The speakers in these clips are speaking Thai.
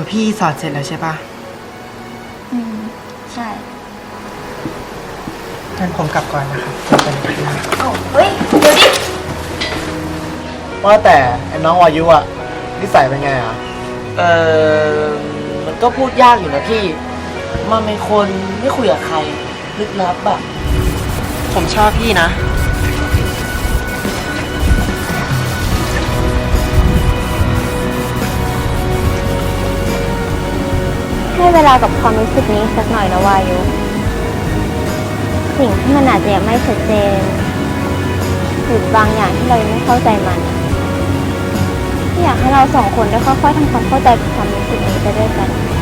พี่สอนเสร็จแล้วใช่ปะใช่งั้นผมกลับก่อนนะครับเจอกันอีกทีนะโอ้เฮ้ย เดี๋ยวดิว่าแต่ไอ้น้องวายุอะนิสัยเป็นไงอะมันก็พูดยากอยู่นะพี่ มันเป็นคนไม่คุยกับใครลึกลับอะผมชอบพี่นะให้เวลากับความรู้สึกนี้สักหน่อยนะวายุ สิ่งที่มันอาจจะยังไม่ชัดเจนหรือบางอย่างที่เรายังไม่เข้าใจมันที่อยากให้เราสองคนได้ค่อยๆทำความเข้าใจกับความรู้สึกนี้ไปด้วยกัน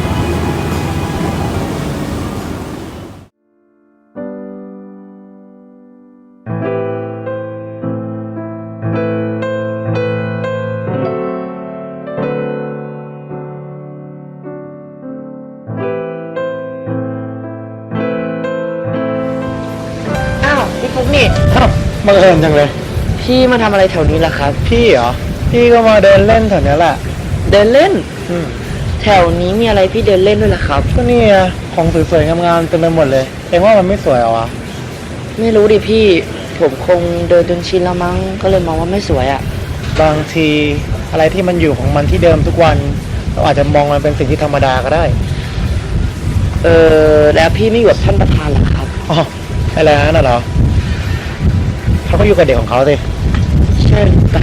อ้าวพี่ฟุกนี่บังเอิญจังเลยพี่มาทำอะไรแถวนี้ล่ะครับพี่เหรอ พี่ก็มาเดินเล่นแถวนี้แหละเดินเล่นอืมแถวนี้มีอะไรพี่เดินเล่นด้วยล่ะครับก็นี่ไงของสวยๆงามๆเต็มไปหมดเลย เองว่ามันไม่สวยเหรอวะไม่รู้ดิพี่ ผมคงเดินจนชินแล้วมั้ง ก็เลยมองว่าไม่สวยอะบางทีอะไรที่มันอยู่ของมันที่เดิมทุกวันเราอาจจะมองมันเป็นสิ่งที่ธรรมดาก็ได้แล้วพี่ไม่อยู่กับท่านประธานเหรอครับอ๋ออะไรนั่นเหรอเขาก็อยู่กับเด็กของเขาสิใช่ปะ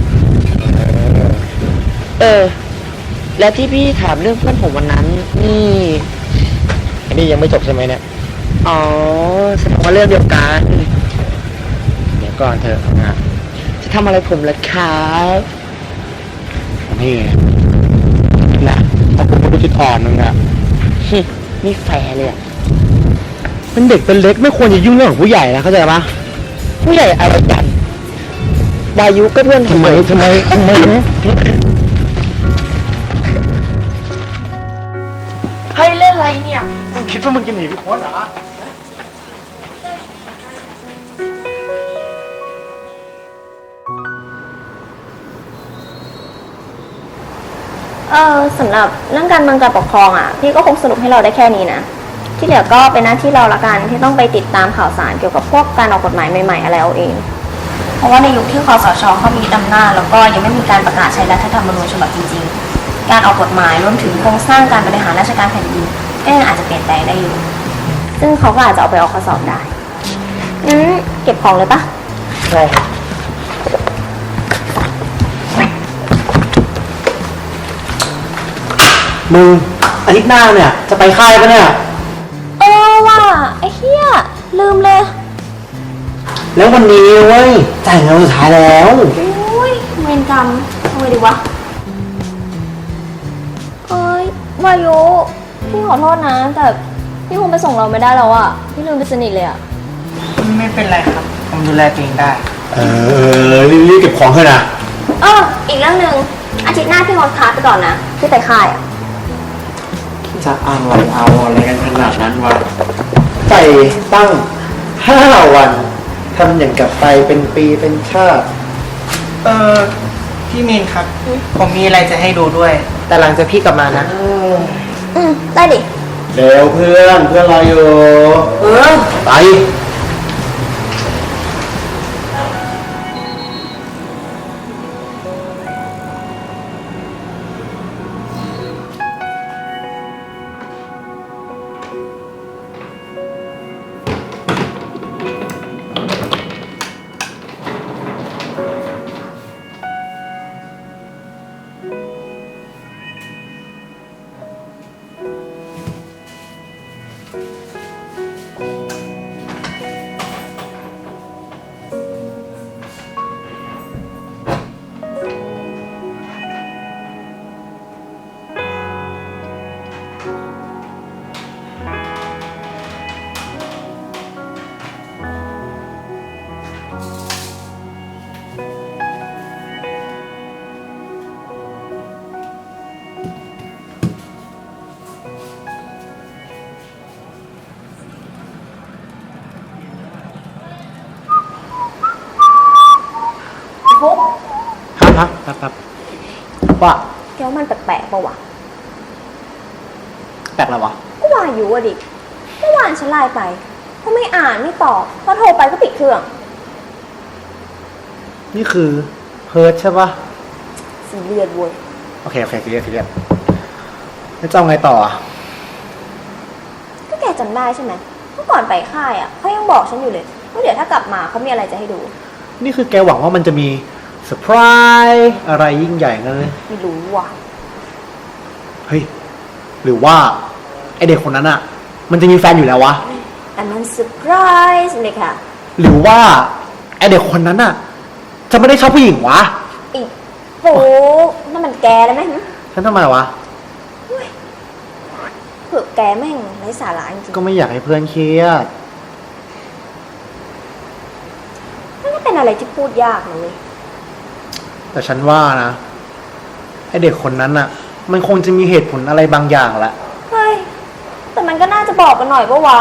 แล้วที่พี่ถามเรื่องเพื่อนผมวันนั้น นี่อันนี้ยังไม่จบใช่ไหมเนี่ยอ๋อแสดงว่าเรื่องเดียวกันเดี๋ยวก่อนเถอะนะจะทำอะไรผมล่ะครับนี่ไงนะเอาคุณผู้จุดอ่อนมึงอะนี่แฟร์เลยอะเป็นเด็กเป็นเล็กไม่ควรจะยุ่งเรื่องของผู้ใหญ่นะเข้าใจปะผู้ใหญ่อะไรกันวายุก็เพื่อนผมทำไมนะให้เล่นอะไรเนี่ยมึงคิดว่ามึงจะหนีพี่โค้ดเหรอสำหรับเรื่องการเมืองการปกครองอ่ะพี่ก็คงสรุปให้เราได้แค่นี้นะที่เหลือก็เป็นหน้าที่เราละกันที่ต้องไปติดตามข่าวสารเกี่ยวกับพวกการออกกฎหมายใหม่ๆอะไรเอาเอง เพราะว่าในยุคที่คสชเขามีอำนาจแล้วก็ยังไม่มีการประกาศใช้รัฐธรรมนูญฉบับจริงๆการออกกฎหมายรวมถึงโครงสร้างการบริหารราชการแผ่นดินก็ยังอาจจะเปลี่ยนแปลงได้อยู่ซึ่งเขาก็อาจจะเอาไปออกข้อสอบได้งั้นเก็บของเลยปะใช่มึงอาทิตย์หน้าเนี่ยจะไปค่ายปะเนี่ยว่าไอ้เหี้ยลืมเลยแล้ววันนี้เว้ยจ่ายเงินสุดท้ายแล้วอุ้ยเวรกรรมทำไงดีวะเอ้ยวายุพี่ขอโทษนะ แต่พี่คงไปส่งเราไม่ได้แล้วอะพี่ลืมไปสนิทเลยอะไม่เป็นไรครับ ผมดูแลตัวเองได้รีบเก็บของเถอะนะอีกเรื่องหนึ่งอาทิตย์หน้าพี่งดคลาสไปก่อนนะพี่ไปค่ายอะจะเอาอะไรกันขนาดนั้นวะไปตั้ง5 วันทำอย่างกับไปเป็นปีเป็นชาติพี่มีนครับ ผมมีอะไรจะให้ดูด้วย แต่หลังจากพี่กลับมานะได้ดิเร็วเพื่อนรออยู่ไปฟุ๊กครับว่าแกว่ามันแปลกๆปะวะแปลกอะไรวะก็วายุอะดิเมื่อวานฉันไลน์ไปก็ไม่อ่านไม่ตอบพอโทรไปก็ปิดเครื่องนี่คือเพิร์ดใช่ปะสีเลือดเว้ยโอเคซีเรียสแล้วจะเอาไงต่ออะก็แกจำได้ใช่ไหมเมื่อก่อนไปค่ายอ่ะเขายังบอกฉันอยู่เลยว่าเดี๋ยวถ้ากลับมาเขามีอะไรจะให้ดูนี่คือแกหวังว่ามันจะมีเซอร์ไพรส์อะไรยิ่งใหญ่งั้นเลยไม่รู้ว่ะเฮ้ย หรือว่าไอเด็กคนนั้นอะมันจะมีแฟนอยู่แล้ววะอันนั้นเซอร์ไพรส์เลยค่ะหรือว่าไอเด็กคนนั้นอะจะไม่ได้ชอบผู้หญิงวะอีกโหนั่นมันแกแล้วไหมฉันทำไมวะเผื่อแกแม่งไร้สาระจริงก็ไม่อยากให้เพื่อนเครียดๆนั่นก็เป็นอะไรที่พูดยากนะเว้ยแต่ฉันว่านะไอเด็กคนนั้นอะมันคงจะมีเหตุผลอะไรบางอย่างแหละเฮ้ยแต่มันก็น่าจะบอกกันหน่อยปะวะ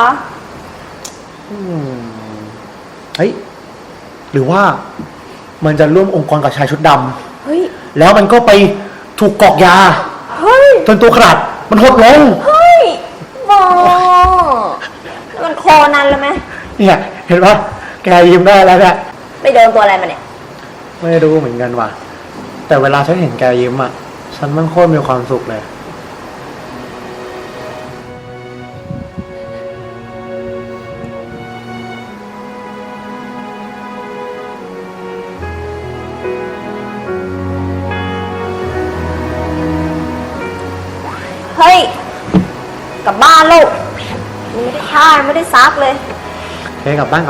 เฮ้ย หรือว่ามันจะร่วมองค์กรกับชายชุดดเฮ้ยำแล้วมันก็ไปถูกกรอกยาเฮ้ยจนตัวขนาดมันหดลงเฮ้ยบอแล้วมันโคนันแล้วไหมเนี่ย เห็นปะแกยิ้มได้แล้วเนี่ยไปโดนตัวอะไรมาเนี่ยไม่รู้เหมือนกันว่ะ แต่เวลาฉันเห็นแกยิ้มอ่ะ ฉันมันโคตรมีความสุขเลยเฮ้ย กลับบ้านลูกยังไม่ได้ท่ายังไม่ได้ซักเลยโอเคกลับบ้าน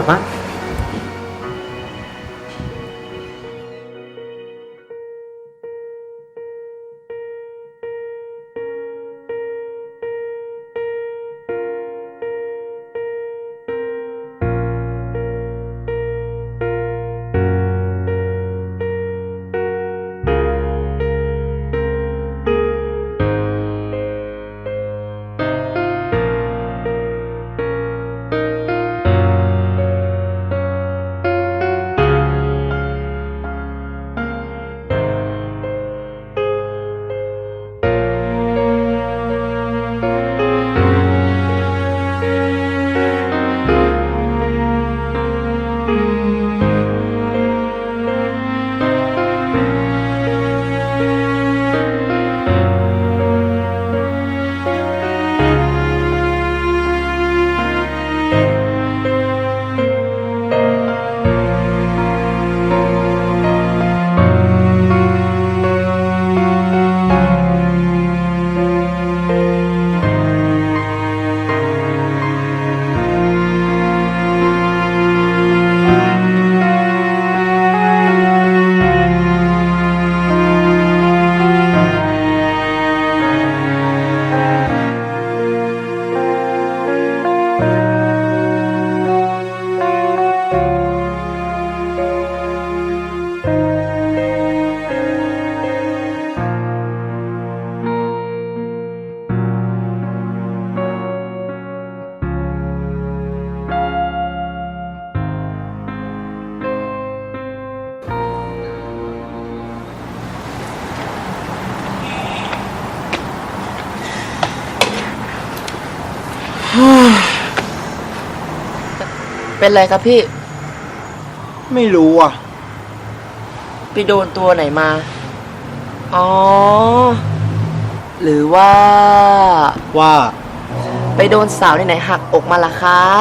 เป็นไรครับพี่ไม่รู้อ่ะไปโดนตัวไหนมา อ๋อ หรือว่าว่าไปโดนสาวไหนๆหักอกมาล่ะครับ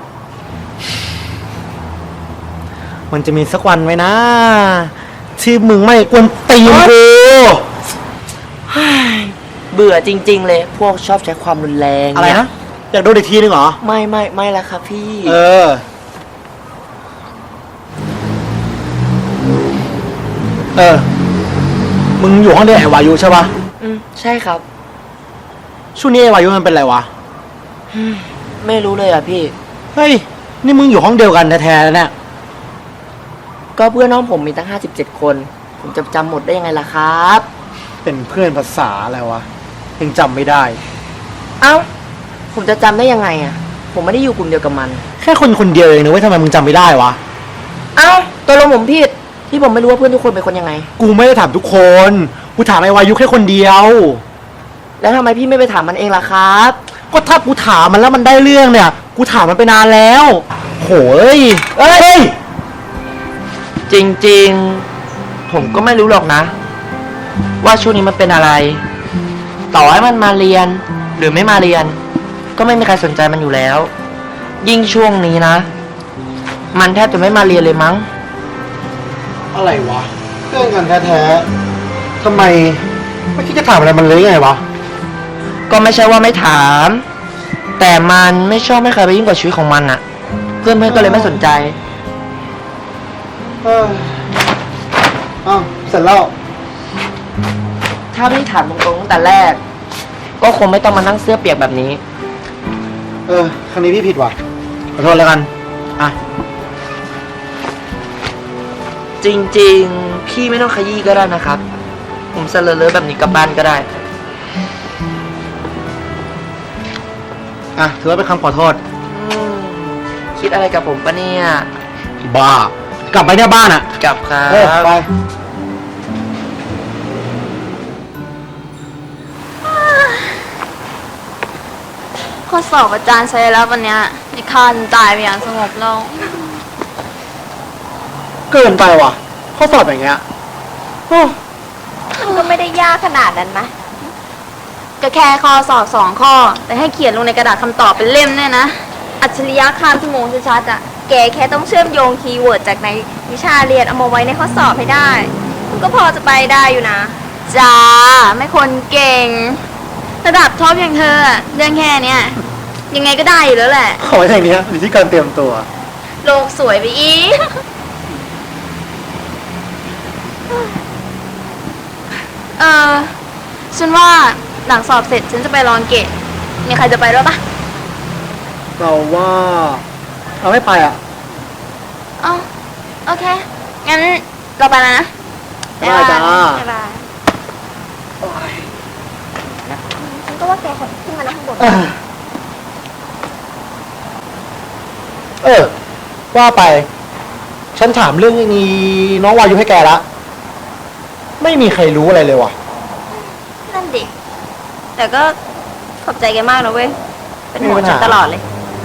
มันจะมีสักวันไหมนะ ที่มึงไม่กวนตีนกูเบื่อจริงๆเลย พวกชอบใช้ความรุนแรงอะไรนะ อยากโดนอีกทีนึงเหรอไม่ละครับพี่มึงอยู่ห้องเดียวไอ้วายุใช่ปะใช่ครับช่วงนี้ไอ้วายุมันเป็นไรวะไม่รู้เลยอ่ะพี่เฮ้ย นี่มึงอยู่ห้องเดียวกันแท้ๆแล้วเนี่ยก็เพื่อนน้องผมมีตั้ง57 คน ผมจะจำหมดได้ยังไงล่ะครับเป็นเพื่อนภาษาอะไรวะ ยังจำไม่ได้เอ้า ผมจะจำได้ยังไงอ่ะ ผมไม่ได้อยู่กลุ่มเดียวกับมันแค่คนคนเดียวเองนะเว้ยทำไมมึงจำไม่ได้วะเอ้าตัวลงผมผิดที่ผมไม่รู้ว่าเพื่อนทุกคนเป็นคนยังไงกูไม่ได้ถามทุกคน กูถามไอ้วายุแค่คนเดียวแล้วทำไมพี่ไม่ไปถามมันเองล่ะครับก็ถ้ากูถามมันแล้วมันได้เรื่องเนี่ย กูถามมันไปนานแล้ว โหยเอ้ยจริงๆ ผมก็ไม่รู้หรอกนะ ว่าช่วงนี้มันเป็นอะไร ต่อให้มันมาเรียน หรือไม่มาเรียน ก็ไม่มีใครสนใจมันอยู่แล้ว ยิ่งช่วงนี้นะ มันแทบจะไม่มาเรียนเลยมั้งอะไรวะเพื่อนกันแท้ๆทำไมไม่คิดจะถามอะไรมันเลยไงวะก็ไม่ใช่ว่าไม่ถาม แต่มันไม่ชอบให้ใครไปยิ่งกว่าชีวิตของมันอะเพื่อนๆก็เลยไม่สนใจอ้าวเสร็จแล้วถ้าพี่ถามตรงๆตั้งแต่แรก ก็คงไม่ต้องมานั่งเสื้อเปียกแบบนี้ครั้งนี้พี่ผิดว่ะ ขอโทษแล้วกัน อ่ะจริงๆ พี่ไม่ต้องขยี้ก็ได้นะครับ ผมเสลอๆแบบนี้กลับบ้านก็ได้อ่ะ ถือว่าเป็นคำขอโทษคิดอะไรกับผมปะเนี่ยบ้า กลับไปเนี่ยบ้านอ่ะกลับครับไปข้อสอบอาจารย์ใช้แล้ววันเนี้ยในคานตายไปอย่างสงบลงเกินไปว่ะ ข้อสอบอย่างเงี้ยโอ้มันก็ไม่ได้ยากขนาดนั้นนะก็แค่ข้อสอบ2 ข้อ แต่ให้เขียนลงในกระดาษคำตอบเป็นเล่มเนี่ยนะ อัจฉริยะข้ามชั่วโมงชัดๆอ่ะ แกแค่ต้องเชื่อมโยงคีย์เวิร์ดจากในวิชาเรียนเอามาไว้ในข้อสอบให้ได้ มันก็พอจะไปได้อยู่นะ จ้า ไม่คนเก่ง ระดับท็อปอย่างเธออะเรื่องแค่เนี้ยยังไงก็ได้อยู่แล้วแหละขออย่างเนี้ยอยู่ที่การเตรียมตัวโลกสวยไปอีก ฉันว่าหลังสอบเสร็จฉันจะไปลองเกตมีใครจะไปด้วยปะเราว่าเราไม่ไปอ่ะอ๋อโอเค งั้นเราไปแล้วนะได้จ้าบ๊ายบายฉันก็ว่าแกขอขึ้นมานั่งข้างบนว่าไป ฉันถามเรื่องนี้น้องวายุให้แกละ ไม่มีใครรู้อะไรเลยว่ะนั่นดิ แต่ก็ขอบใจแกมากนะเว้ย เป็นห่วงไม่มีปัญฉัหานตลอดเลย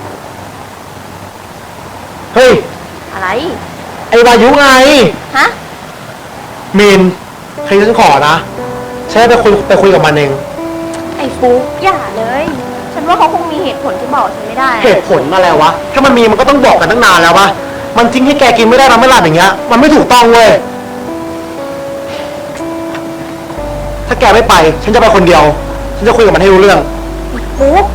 เฮ้ยอะไรไอ้วายุไงฮะมีนใครฉันขอนะฉันจะไปคุยกับมันเองไอ้ฟุกอย่าเลย ฉันว่าเขาคงมีเหตุผลที่บอกฉันไม่ได้เหตุผลอะไรวะ ถ้ามันมีมันก็ต้องบอกกันตั้งนานแล้ววะ มันทิ้งให้แกกินไม่ได้นอนไม่หลับอย่างเงี้ย มันไม่ถูกต้องเว้ย ถ้าแกไม่ไป ฉันจะไปคนเดียว ฉันจะคุยกับมันให้รู้เรื่องฟุก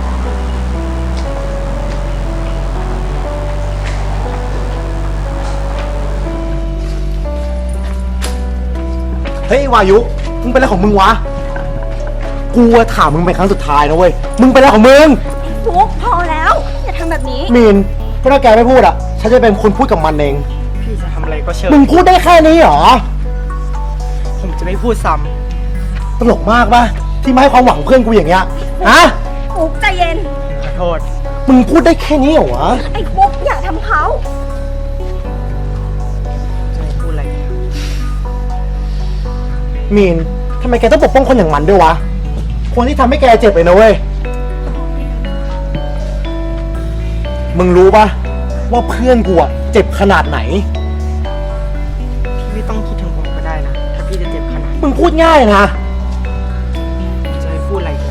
เฮ้ยวายุ มึงเป็นอะไรของมึงวะ กูอะถามมึงเป็นครั้งสุดท้ายนะเว้ย มึงเป็นอะไรของมึงฟุกพอแล้ว อย่าทำแบบนี้มีนก็ถ้าแกไม่พูดอ่ะ ฉันจะเป็นคนพูดกับมันเองพี่จะทำอะไรก็เชิญมึงพูดได้แค่นี้เหรอผมจะไม่พูดซ้ตลกมากปะที่มาให้ความหวังเพื่อนกูอย่างเงี้ย ฮะฟุกใจเย็นำขอโทษมึงพูดได้แค่นี้เหรอวะไอ้ฟุกอย่าทำเขาจะไม่พูดอะไรเนี่ยมีนทำไมแกต้องปกป้องคนอย่างมันด้วยวะ คนที่ทำให้แกเจ็บเลยนะเว้ย มึงรู้ปะว่าเพื่อนกูอะเจ็บขนาดไหนพี่ไม่ต้องคิดถึงผมก็ได้นะ ถ้าพี่จะเจ็บขนาดมึงพูดง่ายนะจะไม่พูดอะไรอีกนะ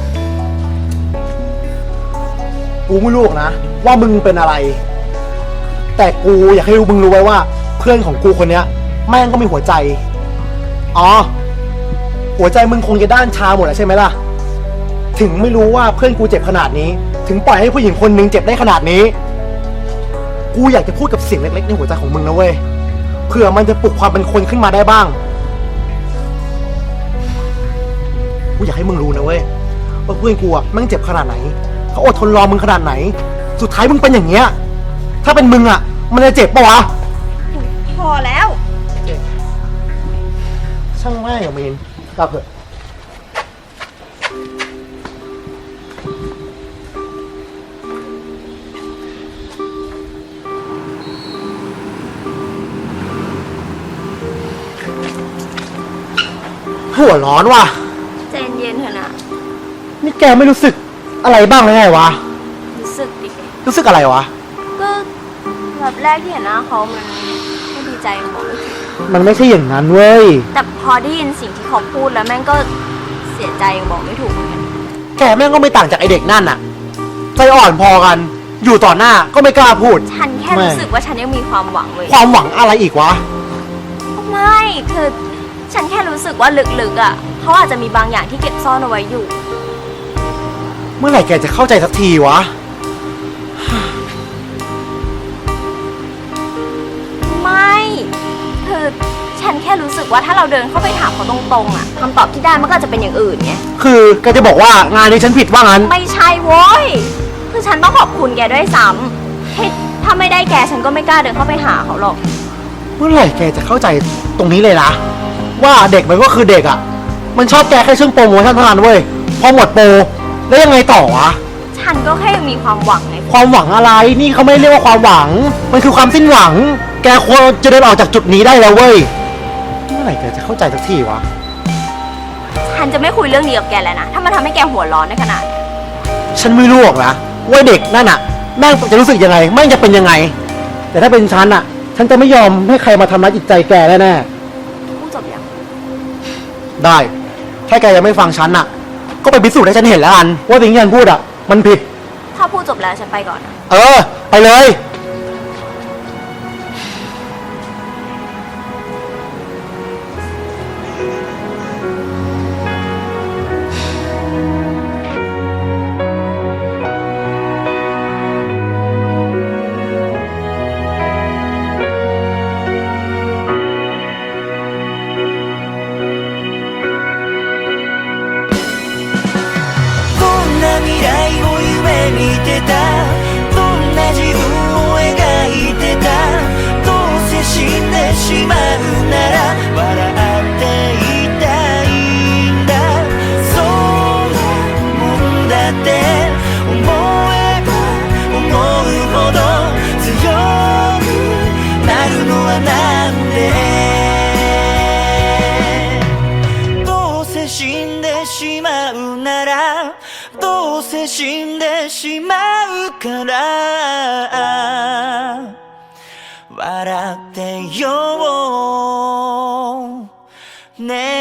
กูไม่รู้หรอกนะ ว่ามึงเป็นอะไร แต่กูอยากให้มึงรู้ไว้ว่า เพื่อนของกูคนเนี้ย แม่งก็มีหัวใจ อ๋อ หัวใจมึงคงจะด้านชาหมดแล้วใช่ไหมล่ะ ถึงไม่รู้ว่าเพื่อนกูเจ็บขนาดนี้ ถึงปล่อยให้ผู้หญิงคนนึงเจ็บได้ขนาดนี้ กูอยากจะพูดกับเสียงเล็กๆในหัวใจของมึงนะเว้ย เผื่อมันจะปลุกความเป็นคนขึ้นมาได้บ้าง กูอยากให้มึงรู้นะเว้ยว่าเพื่อนกูอะแม่งเจ็บขนาดไหน เขาอดทนรอมึงขนาดไหน สุดท้ายมึงเป็นอย่างเงี้ย ถ้าเป็นมึงอะมันจะเจ็บปะวะพอแล้วช่างแม่งอะมีนกลับเถอะหัวร้อนว่ะใจเย็นๆเถอะนะนี่แกไม่รู้สึกอะไรบ้างเลยไงวะรู้สึกดิรู้สึกอะไรวะก็แบบแรกที่เห็นหน้าเขามันก็ดีใจบอกไม่ถูกมันไม่ใช่อย่างนั้นเว้ยแต่พอได้ยินสิ่งที่เขาพูดแล้วแม่งก็เสียใจยังบอกไม่ถูกเหมือนกันแกแม่งก็ไม่ต่างจากไอเด็กนั่นอะใจอ่อนพอกัน อยู่ต่อหน้าก็ไม่กล้าพูดฉันแค่รู้สึกว่าฉันยังมีความหวังเลยความหวังอะไรอีกวะไม่คือฉันแค่รู้สึกว่าลึกๆอ่ะเขาอาจจะมีบางอย่างที่เก็บซ่อนเอาไว้อยู่เมื่อไหร่แกจะเข้าใจสักทีวะไม่คือฉันแค่รู้สึกว่าถ้าเราเดินเข้าไปถามเขาตรงๆอ่ะคำตอบที่ได้มันก็อาจจะเป็นอย่างอื่นไงคือแกจะบอกว่างานนี้ฉันผิดว่างั้นไม่ใช่โว้ยคือฉันต้องขอบคุณแกด้วยซ้ำที่ถ้าไม่ได้แกฉันก็ไม่กล้าเดินเข้าไปหาเขาหรอกเมื่อไหร่แกจะเข้าใจตรงนี้เลยนะว่าเด็กมันก็คือเด็กอะมันชอบแกแค่ช่วงโปรโมชั่นเท่านั้นเว้ยพอหมดโปรแล้วยังไงต่อวะฉันก็แค่ยังมีความหวังไงความหวังอะไรนี่เขาไม่เรียกว่าความหวัง มันคือความสิ้นหวัง แกควรจะเดินออกจากจุดนี้ได้แล้วเว้ยเมื่อไหร่แกจะเข้าใจสักทีวะฉันจะไม่คุยเรื่องนี้กับแกแล้วนะถ้ามันทำให้แกหัวร้อนในขนาดนี้ฉันไม่รู้หรอกนะว่าเด็กนั่นอะแม่งจะรู้สึกยังไงแม่งจะเป็นยังไง แต่ถ้าเป็นฉันอะฉันจะไม่ยอมให้ใครมาทำร้ายจิตใจแกแน่ๆพูดจบยังได้ ถ้าแกยังไม่ฟังฉันน่ะ ก็ไปพิสูจน์ให้ฉันเห็นแล้วกัน ว่าสิ่งที่ฉันพูดอ่ะ มันผิดถ้าพูดจบแล้วฉันไปก่อนนะเออ ไปเลยどんな未来を夢見てたどんな自分を描いてたどうせ死んでしまうなら笑っていたいんだそんなもんだって思えば思うほど強くなるのはなんでどうせ死んでしまうならどうせ死んでしまうから笑ってよね